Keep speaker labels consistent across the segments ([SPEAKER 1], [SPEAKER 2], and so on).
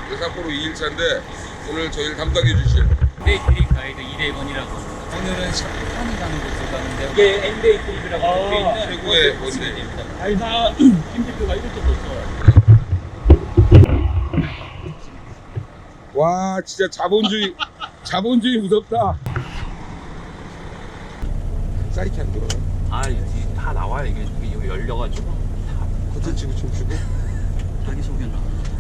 [SPEAKER 1] 삿포로 2일차인데 오늘 저희를 담당해 주실
[SPEAKER 2] 엔데이 트립 가이드 이대건이라고. 오늘은 샤프탄이라는 곳을 가는데 이게 엔데이 트립이라고 적혀있는
[SPEAKER 1] 최고의 원데이.
[SPEAKER 2] 아니 나 김대표가 이렇게 됐어.
[SPEAKER 1] 와 진짜 자본주의 무섭다. 사이트 안 들어요?
[SPEAKER 2] 다 나와요. 이게 열려가지고
[SPEAKER 1] 커튼 치고 춤추고
[SPEAKER 2] 자기소개나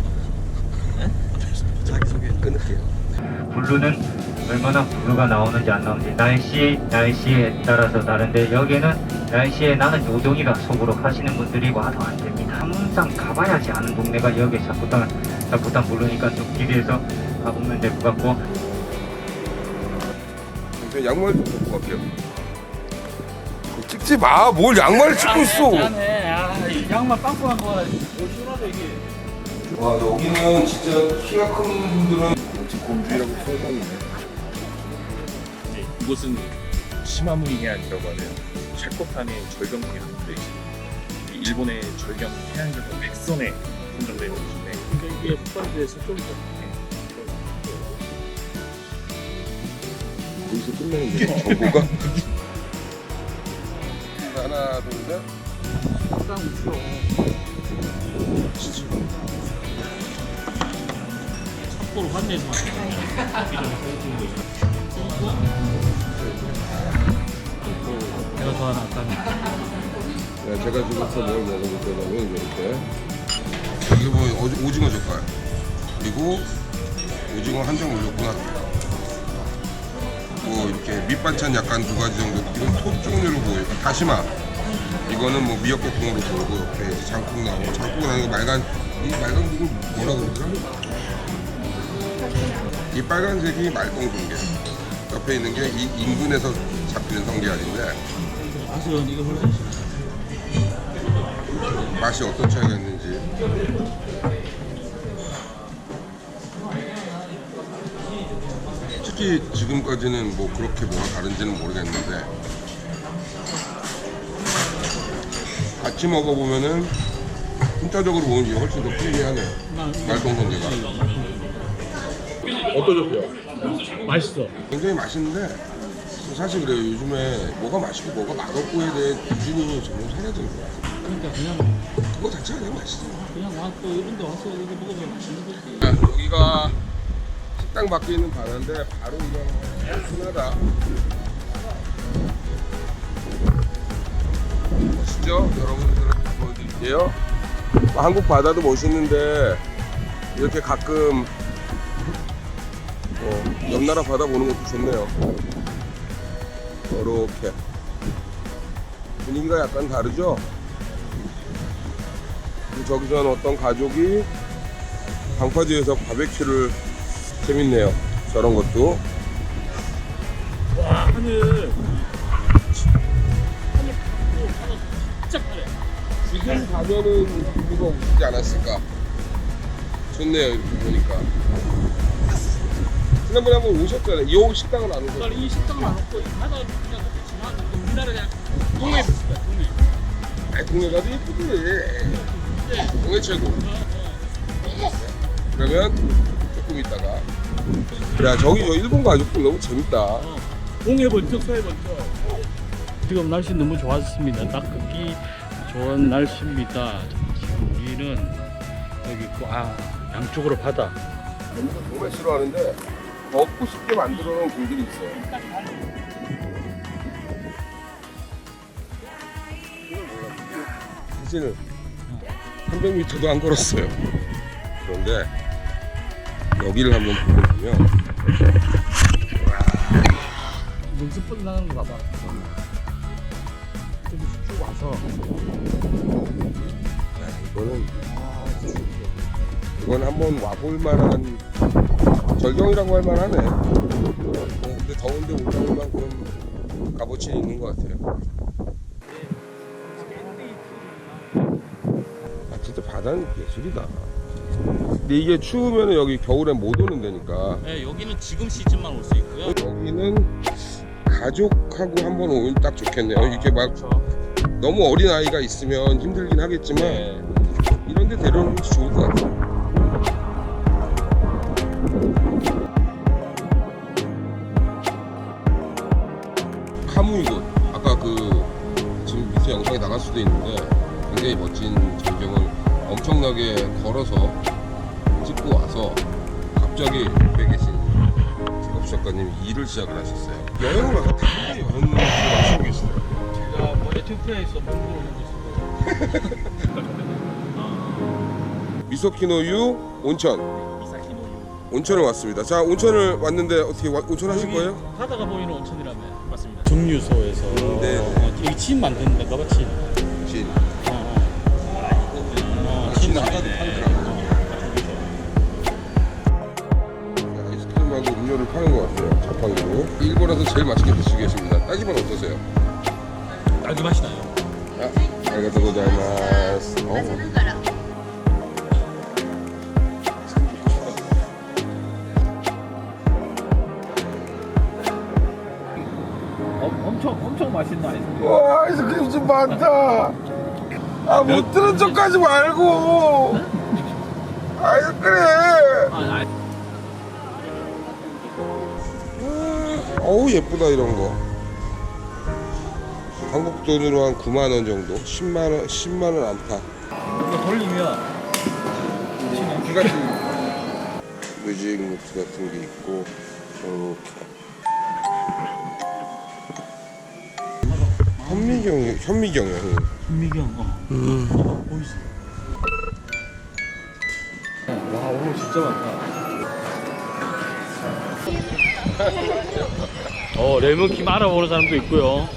[SPEAKER 2] 자기소개는
[SPEAKER 1] 끊을게요.
[SPEAKER 3] 블루는 얼마나 블루가 나오는지 안 나오는지 날씨에 따라서 다른데 여기는 날씨에 나는 요동이가 속으로 가시는 분들이 와도 안 됩니다. 항상 가봐야지 아는 동네가 여기 자꾸탄 블루니까 좀 기대해서 가보면 될 것 같고.
[SPEAKER 1] 저 양말 좀 벗고 갈게요. 찍지 마. 뭘 양말을 찍고 있어.
[SPEAKER 2] 짠해. 양말 빵꾸한 거라 시원하다 이게.
[SPEAKER 1] 와 여기는 진짜 키가 큰 분들은 공주라고 생각하는데
[SPEAKER 4] 이곳은 시마무이 해안이라고 하는 샤코탄의 절경풍이 한국에 있습니다. 일본의 절경 해안절경 백선에 선정되어 있는데
[SPEAKER 2] 그러니까 이게 북반도에서 좀
[SPEAKER 1] 여기서 끝내는 게 정보가 하나 둘셋
[SPEAKER 2] 더 우스워. 삿포로 환내에서 내가 좋아하는 아까는
[SPEAKER 1] 네, 제가 지금부터 뭘 먹어볼 거냐면 이렇게 이게 뭐 오징어 젓갈 그리고 오징어 한 장 올렸구나. 뭐 이렇게 밑반찬 약간 두 가지 정도. 이건 톱 종류로 보여요. 다시마. 이거는 뭐 미역국 국으로 보이고 이렇게 이제 장국 나오고 장국 나오는 거 이 말간 국을 뭐라 그러더라? 이 빨간색이 말똥성게. 옆에 있는 게 이 인근에서 잡히는 성게알인데
[SPEAKER 2] 맛은 이거 훨씬
[SPEAKER 1] 맛이 어떤 차이가 있는지. 특히 지금까지는 뭐 그렇게 뭐가 다른지는 모르겠는데 같이 먹어보면은 혼자적으로 먹는 게 훨씬 더 풍미하네요. 말똥성게가. 어떠셨어요?
[SPEAKER 2] 맛있어.
[SPEAKER 1] 굉장히 맛있는데 사실 그래요. 요즘에 뭐가 맛있고 뭐가 맛없고에 대해 기준이 점점 사라지는 거야.
[SPEAKER 2] 그러니까 그냥
[SPEAKER 1] 그거 자체가 그냥 맛있어.
[SPEAKER 2] 그냥 와서 이런 데 와서 이거 먹으면 맛있는 거지.
[SPEAKER 1] 여기가 식당 밖에 있는 바다인데 바로 그냥 흔하다. 멋있죠? 여러분들은 보여드릴게요. 한국 바다도 멋있는데 이렇게 가끔 옆 나라 바다 보는 것도 좋네요. 이렇게 분위기가 약간 다르죠? 저기서는 어떤 가족이 방파제에서 바베큐를 재밌네요. 저런 것도.
[SPEAKER 2] 와 하늘 진짜 파래.
[SPEAKER 1] 지금 가면은 이거 오시지 않았을까? 좋네요. 이렇게 보니까. 지난번에 한번 오셨잖아요. 이 식당은 안 오셨어요?
[SPEAKER 2] 이 식당은 안 없고 바다 그냥 그렇게 지나가는 우리나라 그냥 동해 비슷해 동해.
[SPEAKER 1] 아이, 동해 가도 예쁘지. 동해 최고. 그러면 조금 있다가. 야, 저기 저 일본 가족들 너무 재밌다.
[SPEAKER 2] 동해 번쩍 서해 번쩍. 지금 날씨 너무 좋았습니다. 딱 걷기 좋은 날씨입니다. 지금 우리는 여기 있고 양쪽으로 바다.
[SPEAKER 1] 정말 싫어하는데 걷고 싶게 만들어 놓은 길들이 있어요. 사실 300m도 안 걸었어요. 그런데 여기를 한번 보고 보면
[SPEAKER 2] 능수분 나가는 거 봐봐. 좀 쭉 와서
[SPEAKER 1] 이건 한번 와볼 만한 절경이라고 할 만하네. 근데 더운데 올라올 만큼 값어치는 있는 것 같아요. 아 진짜 바다는 예술이다. 근데 이게 추우면 여기 겨울엔 못 오는 데니까.
[SPEAKER 2] 네, 여기는 지금 시즌만 올 수 있고요.
[SPEAKER 1] 여기는 가족하고 한번 오면 딱 좋겠네요. 이렇게 막 너무 어린 아이가 있으면 힘들긴 하겠지만 이런 데 데려오는 것도 좋을 것 같아요. 돼 있는데 굉장히 멋진 전경을 엄청나게 걸어서 찍고 와서 갑자기 옆에 계신 직업 작가님이 일을 시작을 하셨어요. 여행을 가서 당연히 여행을 하시고 계시더라고요.
[SPEAKER 2] 제가 뭐 에티오피아에서 공부를 하고 있어요.
[SPEAKER 1] 미소키노유 온천. 온천을 왔습니다. 자, 온천을 왔는데 어떻게 온천 하실 거예요?
[SPEAKER 2] 바다가 보이는 온천이라며. 맞습니다. 증류소에서
[SPEAKER 1] 네.
[SPEAKER 2] 여기 침 만드는 데가 봐, 침.
[SPEAKER 1] 진.
[SPEAKER 2] 침
[SPEAKER 1] 아까도 팔더라고요. 아이스크림하고 음료를 파는 것 같아요. 자판기로. 일본에서 제일 맛있게 드시고 계십니다. 딸기맛 어떠세요?
[SPEAKER 2] 딸기 맛이 나요.
[SPEAKER 1] 아, 아리가또 고자이마스.
[SPEAKER 2] 엄청 맛있는 아이스크림.
[SPEAKER 1] 와, 아이스크림 좀 많다. 아, 못 들은 척하지 말고. 아이스크림. 어우, 예쁘다 이런 거. 한국 돈으로 한 9만 원 정도. 10만 원 안팎.
[SPEAKER 2] 이거 돌리면
[SPEAKER 1] 뮤직 노트 같은 게 있고 이렇게. 현미경이요.
[SPEAKER 2] 현미경. 보이시. 와, 오늘 진짜 많다. 레몬킴 알아보는 사람도 있고요.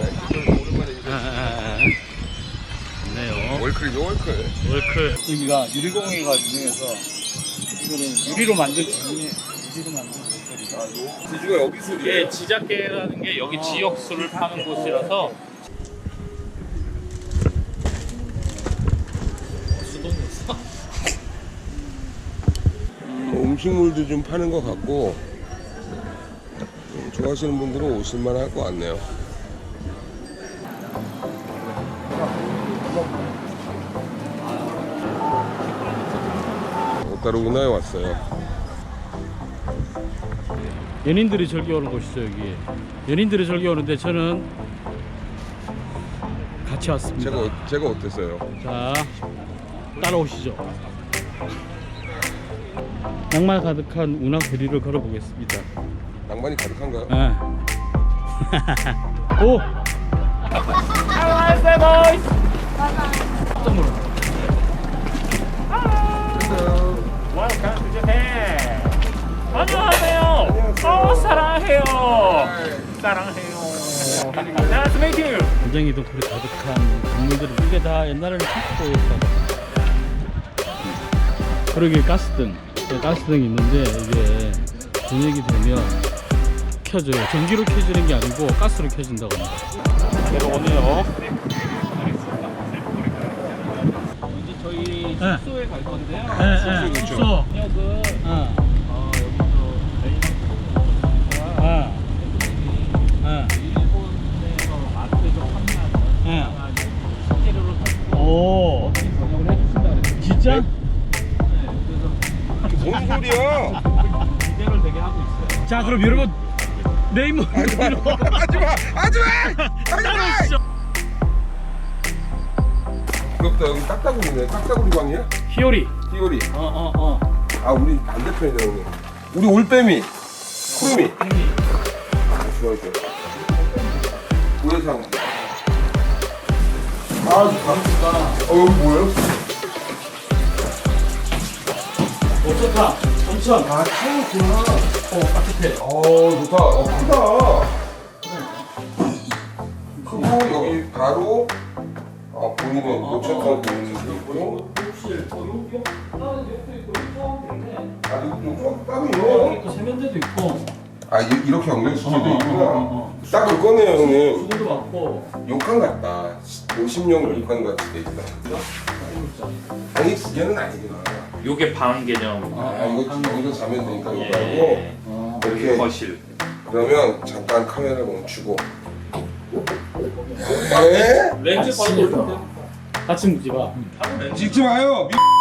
[SPEAKER 2] 좋네요.
[SPEAKER 1] 월클이죠, 월클.
[SPEAKER 2] 월클. 여기가 유리공예가 유명해서 이거는 유리로 만든 종이에 유리로 만든 월클이다.
[SPEAKER 1] 지주가 여기 술이에요.
[SPEAKER 2] 이게 지자케라는 게 여기 지역 술을 파는 곳이라서 수동이었어.
[SPEAKER 1] 음식물도 좀 파는 것 같고 좋아하시는 분들은 오실만 할 것 같네요. 오타루구나에 왔어요.
[SPEAKER 2] 연인들이 즐겨 오는 곳이죠, 여기. 연인들이 즐겨 오는데 저는 같이 왔습니다.
[SPEAKER 1] 제가 어땠어요?
[SPEAKER 2] 자, 따라오시죠. 낭만 가득한 운하 거리를 걸어보겠습니다.
[SPEAKER 1] 낭만이 가득한가요?
[SPEAKER 2] 네. 오! 안녕하세요, 보이스! 깜짝 놀랐어. Welcome to Japan! 안녕하세요! 사랑해요! 사랑해요! Nice to meet you! 굉장히 동굴이 가득한 건물들이 이게 다 옛날에는 탁보였다고. 그러게 가스등이 있는데 이게 저녁이 되면 켜져요. 전기로 켜지는 게 아니고 가스로 켜진다고 합니다. 내려오네요. 이제 저희 숙소에 갈 건데요.
[SPEAKER 1] 숙소.
[SPEAKER 2] 숙소. 역은 일본에서 마트에서 판매하는 식재료를 가지고 오. 번역을 해주신다 그랬어요. 진짜?
[SPEAKER 1] 뭔 소리야?
[SPEAKER 2] 기대를 되게 하고 있어요. 자, 그럼 여러분 네이버
[SPEAKER 1] 하지마! 부럽다. 여기 딱따구리네. 딱따구리 방이야?
[SPEAKER 2] 히오리.
[SPEAKER 1] 띠오리.
[SPEAKER 2] 어.
[SPEAKER 1] 아, 우리 반대편이다 형님. 우리 올빼미 쿠루미. 좋아요. 우회상. 아, 좋다. 여기 뭐예요?
[SPEAKER 2] 좋다. 엄청.
[SPEAKER 1] 아, 차이구나.
[SPEAKER 2] 따뜻해.
[SPEAKER 1] 좋다. 크다. 크고 여기 바로 본인의 노천탕 보이는 게 있고. 이거 따로 있네.
[SPEAKER 2] 있고 세면대도 있고.
[SPEAKER 1] 이렇게 연결시켜도 있구나. 딱 그거네요, 형님.
[SPEAKER 2] 수건도 많고.
[SPEAKER 1] 욕탕 같다. 50년 욕탕 같이 돼 있다. 방이 두 개는 아니구나.
[SPEAKER 4] 요게 방 개념.
[SPEAKER 1] 이거 여기서 자면 되니까 이거
[SPEAKER 4] 예.
[SPEAKER 1] 하고 이렇게.
[SPEAKER 4] 거실.
[SPEAKER 1] 그러면 잠깐 카메라 멈추고. 네?
[SPEAKER 2] 렌즈 바로 같이 묻지 마.
[SPEAKER 1] 찍지 마요.